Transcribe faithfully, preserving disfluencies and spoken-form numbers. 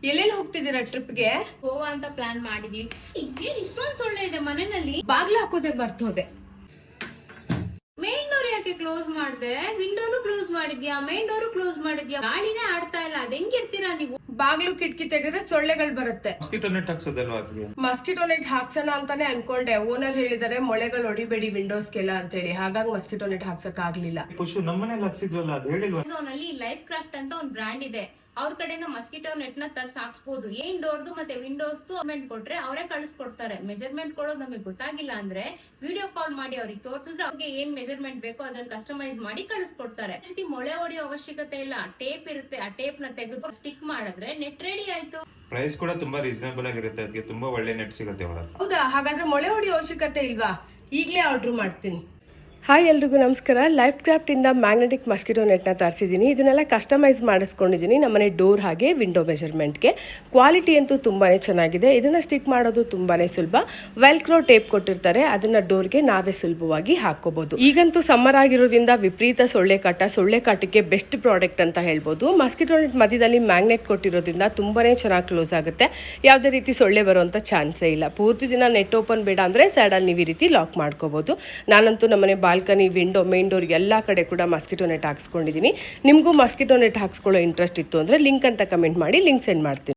ಎಲ್ಲೆಲ್ಲಿ ಹೋಗ್ತಿದ್ದೀರಾ ಟ್ರಿಪ್ಗೆ? ಗೋವಾ ಅಂತ ಪ್ಲಾನ್ ಮಾಡಿದೀವಿ. ಏನ್ ಇಷ್ಟೊಂದು ಸೊಳ್ಳೆ ಇದೆ ಮನೆಯಲ್ಲಿ? ಬಾಗ್ಲು ಹಾಕೋದೆ ಬರ್ತೋದೆ. ಮೇನ್ ಡೋರ್ ಯಾಕೆ ಕ್ಲೋಸ್ ಮಾಡ್ದೆ? ವಿಂಡೋನು ಕ್ಲೋಸ್ ಮಾಡಿದ್ಯಾ, ಮೇನ್ ಡೋರು ಕ್ಲೋಸ್ ಮಾಡಿದ್ಯಾ? ಗಾಳಿನೇ ಆಡ್ತಾ ಇಲ್ಲ. ಅದ್ ಹೆಂಗಿರ್ತೀರಾ ನೀವು? ಬಾಗ್ಲು ಕಿಟಕಿ ತೆಗೆದ್ರೆ ಸೊಳ್ಳೆಗಳು ಬರುತ್ತೆ. ಮಸ್ಕಿಟೋ ನೆಟ್ ಹಾಕ್ಸೋದಲ್ವಾ? ಮಸ್ಕಿಟೋ ನೆಟ್ ಹಾಕ್ಸೋಣ ಅಂತಾನೆ ಅನ್ಕೊಂಡೆ. ಓನರ್ ಹೇಳಿದಾರೆ ಮೊಳೆಗಳು ಹೊಡಿಬೇಡಿ ವಿಂಡೋಸ್ಗೆಲ್ಲ ಅಂತೇಳಿ, ಹಾಗಾಗಿ ಮಸ್ಕಿಟೋ ನೆಟ್ ಹಾಕ್ಸಕ್ ಆಗ್ಲಿಲ್ಲ. ಖುಷಿ ನಮ್ಮನೇಲಿ ಹಾಕ್ಸಿದ್ವಲ್ಲ, ಅದು ಹೇಳಿಲ್ವಾ? ನಲ್ಲಿ ಲೈಫ್ ಕ್ರಾಫ್ಟ್ ಅಂತ ಒಂದು ಬ್ರ್ಯಾಂಡ್ ಇದೆ. ಅವ್ರ ಕಡೆಯಿಂದ ಮಸ್ಕಿಟೋ ನೆಟ್ ನ ತರ್ಸ್ ಹಾಕ್ಸ್ಬೋದು. ಏನ್ ಡೋರ್ದು ಮತ್ತೆ ವಿಂಡೋಸ್ ಮೆಜರ್ಮೆಂಟ್ ಕೊಟ್ರೆ ಅವರೇ ಕಳಿಸ್ಕೊಡ್ತಾರೆ. ಮೆಜರ್ಮೆಂಟ್ ಕೊಡೋದು ನಮಗೆ ಗೊತ್ತಾಗಿಲ್ಲ ಅಂದ್ರೆ ವಿಡಿಯೋ ಕಾಲ್ ಮಾಡಿ ಅವ್ರಿಗೆ ತೋರಿಸಿದ್ರೆ ಅವ್ರಿಗೆ ಏನ್ ಮೆಜರ್ಮೆಂಟ್ ಬೇಕೋ ಅದನ್ನ ಕಸ್ಟಮೈಸ್ ಮಾಡಿ ಕಳಿಸ್ಕೊಡ್ತಾರೆ. ಈ ರೀತಿ ಮೊಳೆ ಹೊಡೆಯೋ ಅವಶ್ಯಕತೆ ಇಲ್ಲ. ಟೇಪ್ ಇರುತ್ತೆ, ಆ ಟೇಪ್ ನ ತೆಗೆದು ಸ್ಟಿಕ್ ಮಾಡಿದ್ರೆ ನೆಟ್ ರೆಡಿ ಆಯ್ತು. ಪ್ರೈಸ್ ಕೂಡ ತುಂಬಾ ರೀಸನಬಲ್ ಆಗಿರುತ್ತೆ. ಅದಕ್ಕೆ ತುಂಬಾ ಒಳ್ಳೆ ನೆಟ್ ಸಿಗುತ್ತೆ ಅವರ ಹತ್ರ. ಹೌದಾ? ಹಾಗಾದ್ರೆ ಮೊಳೆ ಹೊಡೆಯೋ ಅವಶ್ಯಕತೆ ಇಲ್ವಾ? ಈಗಲೇ ಆರ್ಡರ್ ಮಾಡ್ತೀನಿ. ಹಾಯ್ ಎಲ್ರಿಗೂ ನಮಸ್ಕಾರ. ಲೈಫ್ ಕ್ರಾಫ್ಟಿಂದ ಮ್ಯಾಗ್ನೆಟಿಕ್ ಮಸ್ಕಿಟೋ ನೆಟ್ನ ತರಿಸಿದ್ದೀನಿ. ಇದನ್ನೆಲ್ಲ ಕಸ್ಟಮೈಸ್ ಮಾಡಿಸ್ಕೊಂಡಿದ್ದೀನಿ ನಮ್ಮನೆ ಡೋರ್ ಹಾಗೆ ವಿಂಡೋ ಮೆಜರ್ಮೆಂಟ್ಗೆ. ಕ್ವಾಲಿಟಿ ಅಂತೂ ತುಂಬಾ ಚೆನ್ನಾಗಿದೆ. ಇದನ್ನು ಸ್ಟಿಕ್ ಮಾಡೋದು ತುಂಬಾ ಸುಲಭ. ವೆಲ್ಕ್ರೋ ಟೇಪ್ ಕೊಟ್ಟಿರ್ತಾರೆ, ಅದನ್ನು ಡೋರ್ಗೆ ನಾವೇ ಸುಲಭವಾಗಿ ಹಾಕ್ಕೋಬೋದು. ಈಗಂತೂ ಸಮ್ಮರ್ ಆಗಿರೋದ್ರಿಂದ ವಿಪರೀತ ಸೊಳ್ಳೆ ಕಾಟ, ಸೊಳ್ಳೆ ಕಾಟಕ್ಕೆ ಬೆಸ್ಟ್ ಪ್ರಾಡಕ್ಟ್ ಅಂತ ಹೇಳ್ಬೋದು. ಮಸ್ಕಿಟೋ ನೆಟ್ ಮಧ್ಯದಲ್ಲಿ ಮ್ಯಾಗ್ನೆಟ್ ಕೊಟ್ಟಿರೋದ್ರಿಂದ ತುಂಬಾ ಚೆನ್ನಾಗಿ ಕ್ಲೋಸ್ ಆಗುತ್ತೆ. ಯಾವುದೇ ರೀತಿ ಸೊಳ್ಳೆ ಬರುವಂಥ ಚಾನ್ಸೇ ಇಲ್ಲ. ಪೂರ್ತಿ ದಿನ ನೆಟ್ ಓಪನ್ ಬೇಡ ಅಂದರೆ ಸೈಡಲ್ಲಿ ನೀವು ಈ ರೀತಿ ಲಾಕ್ ಮಾಡ್ಕೋಬೋದು. ನಾನಂತೂ ನಮ್ಮನೆ ಬಾಲ್ಕನಿ, ವಿಂಡೋ, ಮೇನ್ ಡೋರ್ ಎಲ್ಲ ಕಡೆ ಕೂಡ ಮಸ್ಕಿಟೋ ನೆಟ್ ಹಾಕ್ಸ್ಕೊಂಡಿದ್ದೀನಿ. ನಿಮಗೂ ಮಸ್ಕಿಟೋ ನೆಟ್ ಹಾಕ್ಸ್ಕೊಳ್ಳೋ ಇಂಟ್ರೆಸ್ಟ್ ಇತ್ತು ಅಂದರೆ ಲಿಂಕ್ ಅಂತ ಕಮೆಂಟ್ ಮಾಡಿ, ಲಿಂಕ್ ಸೆಂಡ್ ಮಾಡ್ತೀನಿ.